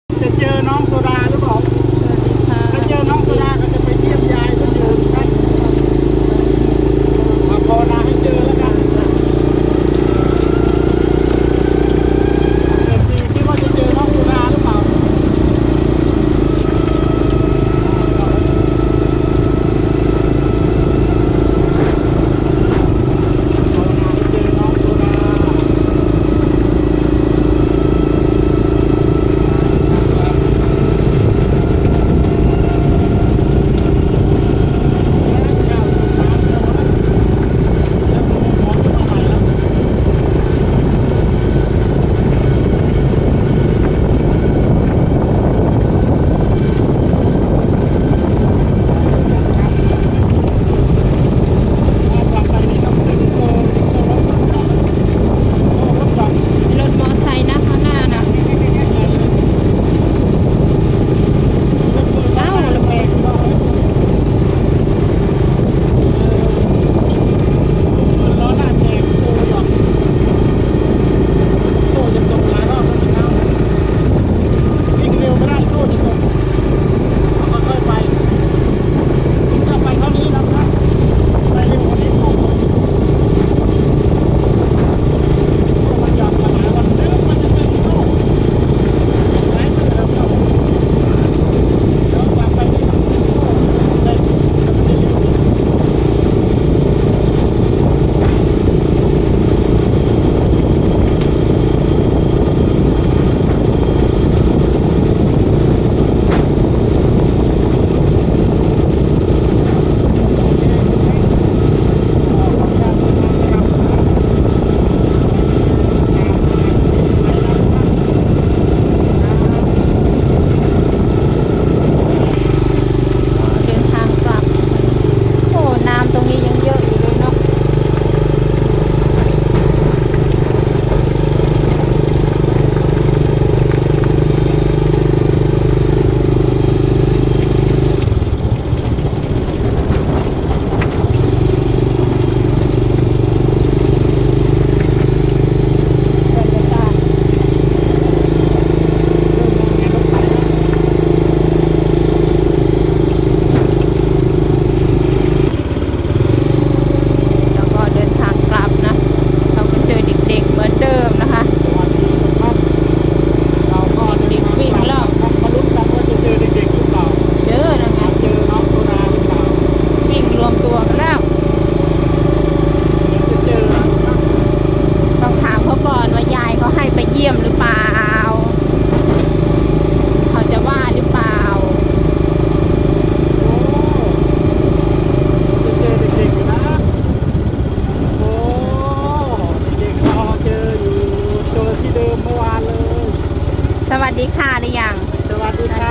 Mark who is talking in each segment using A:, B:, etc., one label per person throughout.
A: จะเจอน้องโซดาหรือเปล่าถ้าเจอน้องโซดาก็จะไปเยี่ยมยายคนอื่นกันมาภาวนาให้เจอแล้วกันคิดว่าจะเจอน้องโซดาหรือเปล่า
B: สวัสดีค่ะหรือยัง
A: สวัสดีค่ะ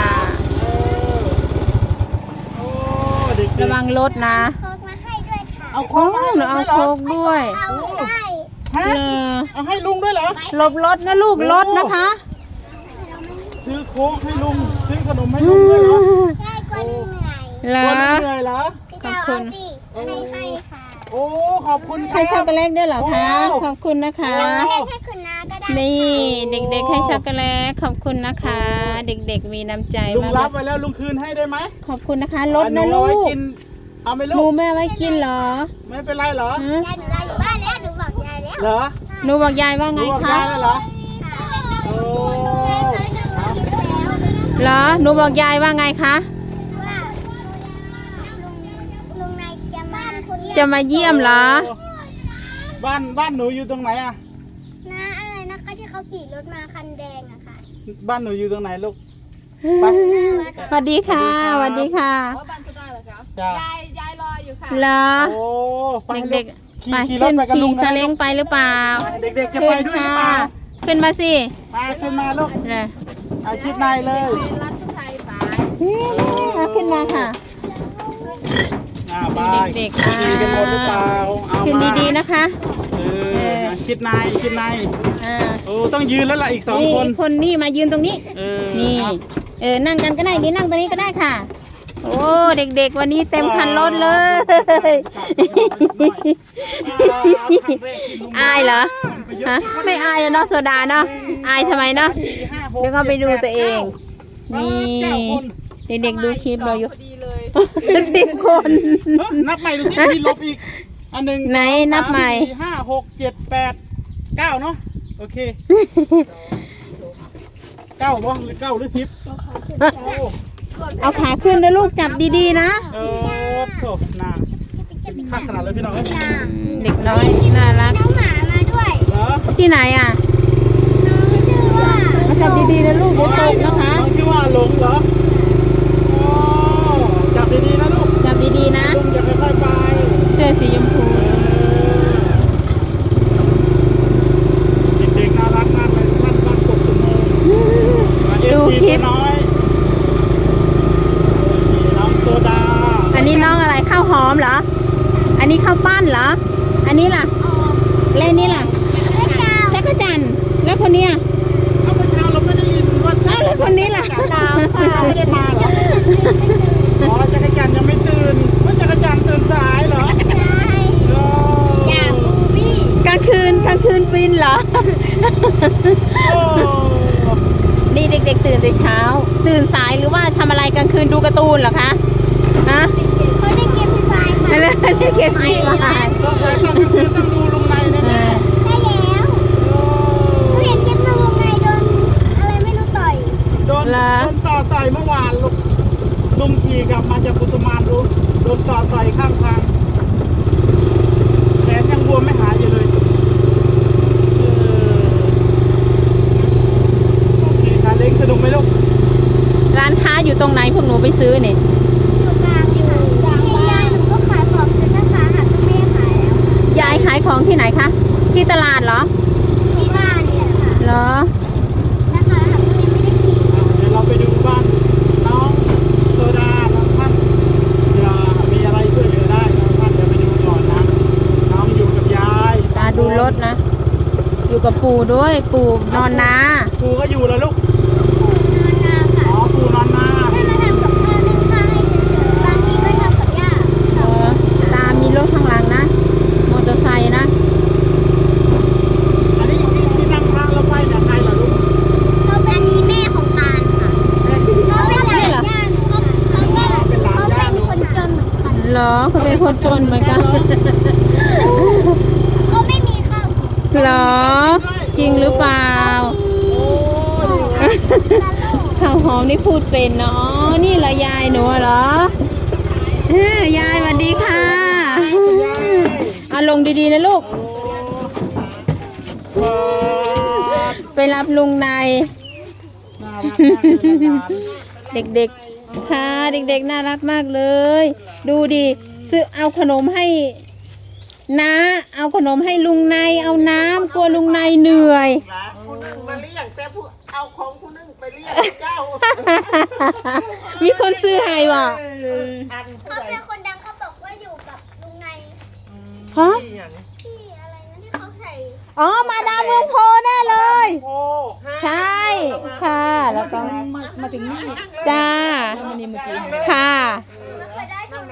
B: ระวังรถนะ
C: โค้กมาให้ด้วยค่ะ
A: เอาโค้กมาให้
B: เอาโค้กด้วย
C: เอาได้
A: เอาให้ลุงด้วยเหรอ
B: หลบรถนะลูกรถนะคะ
A: ซื้อโค้กให้ลุงซื้อขนมให้ลุงด้วยเหรอ
C: ได้กว่าเหนื่อย
B: เหร
A: วั
B: อน
A: นี้เหนื่อยเหรอ
C: พี่ดาวเอาสิให้ค่ะ
A: โอ้ขอบคุณครั
B: ให้
A: บ
B: ช็อกโกแลตด้วยเหรอคะขอบคุณนะคะ
C: เราเล่นให้คุณน้าก็ได้
B: นี่เด็กๆให้ช็อกโกแลตขอบคุณนะคะ เด็กๆมีน้ำใจ
A: ลุง
B: มาก
A: รับไว้แล้วลุงคืนให้ได้ไหม
B: ขอบคุณนะคะรถ
A: ห
B: นะ
A: เอา
B: ลู
A: ไว้
B: ก
A: กินเอาไหม
B: หนู
A: ลูก
B: แม่ไว้กินเหรอ
A: ไม่เป็นไรเหรอ
B: ฮะ
C: ยายหนูอยู่บ้านแล้วหนูบอกยายแล้ว
A: เหรอ
B: หนูบอกยายว่า
A: ห
B: ไง
A: นูบอก
B: คะ
A: ยายแล้วเหรอโอ้
B: เหรอหนูบอกยายว่าไงคะ
C: ว่าลุงนาย
B: จะมาเยี่ยมเหรอ
A: บ้านหนูอยู่ตรงไหนอะ
C: น้าอะไรนะคะที่เขาขี่รถมาคันแดงอะค่ะ
A: บ้านหนูอยู่ตรงไหนลูกไป
B: สวัสดีค่ะสวัสดีค่ะ
D: ว่าบ้านก็ได้เหรอครับ
A: จ้ะ
D: ยายรออยู่ค่ะ
B: เหรอ
A: โอ้ไป
B: เด็ก
A: ๆ
B: ๆไป
A: ขี่ร
B: ขึ้
A: ถ
B: น
A: ไปกับลุ
B: ขี่
A: ง
B: ซาเล้งไปหรือเปล่า
A: เด็กๆจะ
B: ขึ้
A: ไป
B: น
A: ด้วยหรือ
B: ค่ะ
A: เปล่า
B: ขึ้นมาสิ
A: มาขึ้นมาลูก
B: เลย
A: อาชิดในเลย
D: รัฐไทยสาย
B: เอาขึ้นมาค่ะ
A: ไป
B: เด็กๆ
A: ขี่กันหมดหรือเปล่าเอา
B: ขึ้น
A: มา
B: ดีๆนะคะ
A: ชิดในชิดใน
B: อ่า
A: โอ้ต้องยืนแล้วล่ะอีกสอง
B: นี่
A: คน
B: คนนี่มายืนตรงนี้ นี่ นั่งกันก็ได้นี่นั่งตรงนี้ก็ได้ค่ะ โอ้เด็กๆวันนี้เต็มคันรถเลย อายเหรอฮะไม่อายแล้วเนาะโซดาเนาะอายทำไมเนาะ
A: 4-5 6
B: เดี๋ยวก็ไปดูตัวเอง นี่
A: 9 คน
B: เด็กๆดูคลิปเราอยู่
D: พอดีเลย
B: 10 คน
A: นับใหม่ดูสิมีลบอีกอันหนึ่ง
B: ไหน
A: สอง
B: นับใหม่
A: 3 4 5 6 7 8 9เนาะโอเค9บ่หรือ9หรือ10โอ้
B: เอาขาขึ้นนะลูกจับดีๆนะ
A: โถนาข้าขนาดเลยพี่น้องเอ้ย
B: เด็กน้อยน่ารัก
C: น้องหมามาด้วย
A: เหรอ
B: ที่ไหนอ่ะ
C: น้องชื่อว่า
B: เอาจับดีๆนะลูกเดี๋ยวตกนะคะ
A: น้องที่ว่าหลงเหรอโอ้จับดีๆนะลูก
B: จับดีๆนะ
A: ลุงอย่าค่อยๆไป
B: เสื้อสีชมพู
A: เด็กๆน่ารักมากเลยท่านบ้านกบตุ้มโม
B: ดูคลิป
A: น้อยน้องโซดา
B: อันนี้น้องอะไรข้าวหอมเหรอ อันนี้ข้าวปั้นเหรอ อันนี้ล่ะแล้วอันนี้ล่ะจักรจันทร์แล้วคนเนี้ย
A: เมื่อเช้าเราไม่ได้ยินว่า
B: อ้าวแล้วคนนี้ล่ะ
A: ไม่ได้มาเหรออ๋อจักรจันทร์ยังไม่ตื่นว่าจักรจันทร์ตื่นสายเหรอ
C: จากบูบี้
B: กลางคืนบินเหรอ
A: โอ้
B: นี่เด็กๆตื่นแต่เช้า ตื่นสายหรือว่าทำอะไรกลางคืนดูการ์ตูนเหรอคะฮะ
C: เขาเล่นเกมฟรีไฟร์ค่ะ
B: อะไรนี่เก็บอีกแล้ว
A: ต้องใช้ต้องดูลุงในแน่
C: ได้แล้วเขาเห็นคลิปน้องวงในโดนอะไรไม่รู้ต่อย
A: ๆโดนต่อต่อยเมื่อวานลุงขี่กลับมาจากกุตุมานรู้โดนต่อต่อยข้างทางแขนยังบวมไม่หายอยู่เลยโอเคค่ะเล้งสนุกไหมลูก
B: ร้านค้าอยู่ตรงไหนพวกหนูไปซื้อเนี่ย
C: อยู่กลางอยู่ยายหนูก็ขายของเป็นนะคะหันก็ไม่ได้ขายแล้ว
B: ยายขายของที่ไหนคะ ที่ตลาดเหรอ
C: ที่บ้านเนี่ยค่ะ
B: เหรอ
C: นะคะหันก็ยังไม่ได้ขี่
A: เดี๋ยวเราไปดูบ้านน้องโซดาน้องท่านเดี๋ยวมีอะไรช่วยเหลือได้น้องท่านเดี๋ยวไปดูก่อนนะน้องอยู่กับยาย
B: ตาดูรถนะ อยู่กับปู่ด้วย ปู่นอนนา
A: ปูก็อยู่แล้วลูก
C: นอนนาค่ะ
A: อ๋อปูนอนนา
C: ถ้ามาทำกับข้าวนึ่งข้าวให้เฉยๆบางทีก็ทำกับย่า
B: เออตามีรถข้างหลังนะ มอเตอร์ไซค์นะ
A: อันนี้ที่นั่งทางเราไปเนี่ยใครเหรอลูก
C: เขาเป็นนี้แม่ของตาลค่ะเขาเป็นหลานย่าเขาเป็นคนจนเหมือนกัน
B: เหรอเขาเป็นคนจนเหมือนกัน
C: เขาไม่มีข้าวกิน
B: เหรอ จริงหรือเปล่า ข้าวหอมนี่พูดเป็นเนาะนี่เหรอยายหนูเหรอยายสวัสดีค่ะเอาลงดีๆนะลูก ไปรับลุงใน
A: น่ารักมากเลยนะ
B: เด็กๆ ค่ะ เด็กๆ น่ารักมากเลย ดูดิซื้อเอาขนมให้น้าเอาขนมให้ลุงในเอาน้ำกลัวลุงในเหนื่อย
E: ผู้นึงมาเลี้ยงแต่ผู้เอาของผู้นึงไปเลี้ยงเจ้า
B: มีคนซื้อให้ว่ะ
E: อันผู้
C: เขา
E: ใด
C: เป็นคนดังเขาบอกว่าอยู่กับลุงใน
B: ฮะ
E: ที่อย่าง
C: ที่อะไรนะที่เขาใส่
B: อ๋อ มาดามเมืองโพแน่เลย
A: โอ้
B: ใช่ค่ะ แล้วก็
E: มาถึงนี่
B: จ้า ค่ะ